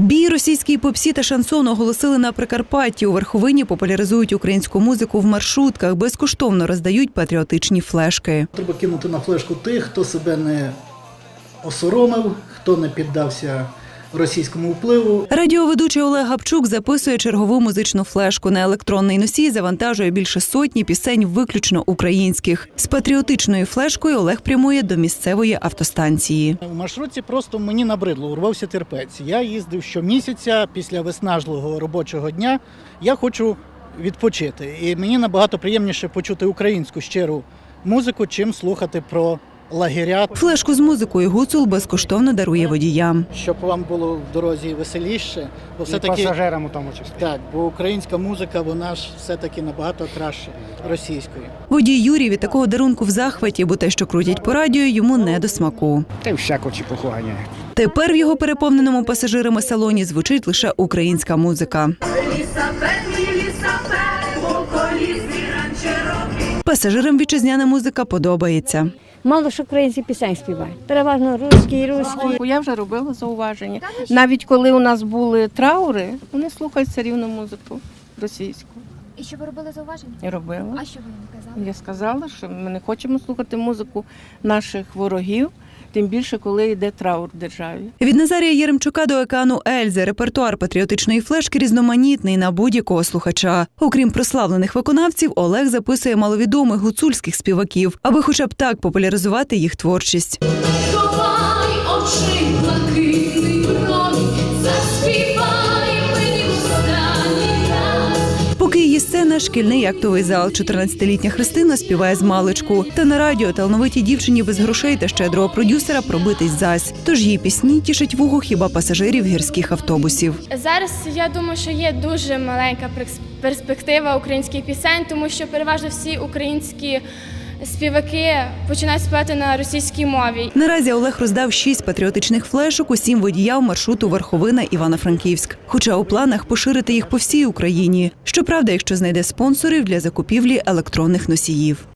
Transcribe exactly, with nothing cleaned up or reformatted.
Бій російській попсі та шансону оголосили на Прикарпатті. У Верховині популяризують українську музику в маршрутках, безкоштовно роздають патріотичні флешки. Треба кинути на флешку тих, хто себе не осоромив, хто не піддався російському впливу. Радіоведучий Олег Гапчук записує чергову музичну флешку. На електронний носій завантажує більше сотні пісень виключно українських. З патріотичною флешкою Олег прямує до місцевої автостанції. У маршрутці просто мені набридло, урвався терпець. Я їздив щомісяця після виснажливого робочого дня. Я хочу відпочити. І мені набагато приємніше почути українську щиру музику, чим слухати про лагеря. Флешку з музикою Гуцул безкоштовно дарує водіям. Щоб вам було в дорозі веселіше. Бо все-таки, і пасажирам у тому числі. Так, бо українська музика, вона ж все-таки набагато краще російської. Водій Юрій від такого дарунку в захваті, бо те, що крутять по радіо, йому не до смаку. Та й всяку чепуху ганяють. Тепер в його переповненому пасажирами салоні звучить лише українська музика. Пасажирам вітчизняна музика подобається. Мало ж українські пісень співають. Переважно русські, русські. Я вже робила зауваження. Навіть коли у нас були траури, вони слухають все рівно музику російську. І що ви робили зауваження? Я робила. А що ви їм казали? Я сказала, що ми не хочемо слухати музику наших ворогів, тим більше, коли йде траур в державі. Від Назарія Єремчука до Океану Ельзи репертуар патріотичної флешки різноманітний на будь-якого слухача. Окрім прославлених виконавців, Олег записує маловідомих гуцульських співаків, аби хоча б так популяризувати їх творчість. Ховай очі блакитний промінь, заспівай мені останній раз. Поки її сцена – шкільний актовий зал. чотирнадцятилітня Христина співає з маличку. Та на радіо талановитій дівчині без грошей та щедрого продюсера пробитись зась. Тож її пісні тішать вухо хіба пасажирів гірських автобусів. Зараз я думаю, що є дуже маленька перспектива українських пісень, тому що переважно всі українські співаки починають співати на російській мові. Наразі Олег роздав шість патріотичних флешок усім водіям маршруту Верховина – Івано-Франківськ. Хоча у планах поширити їх по всій Україні. Щоправда, якщо знайде спонсорів для закупівлі електронних носіїв.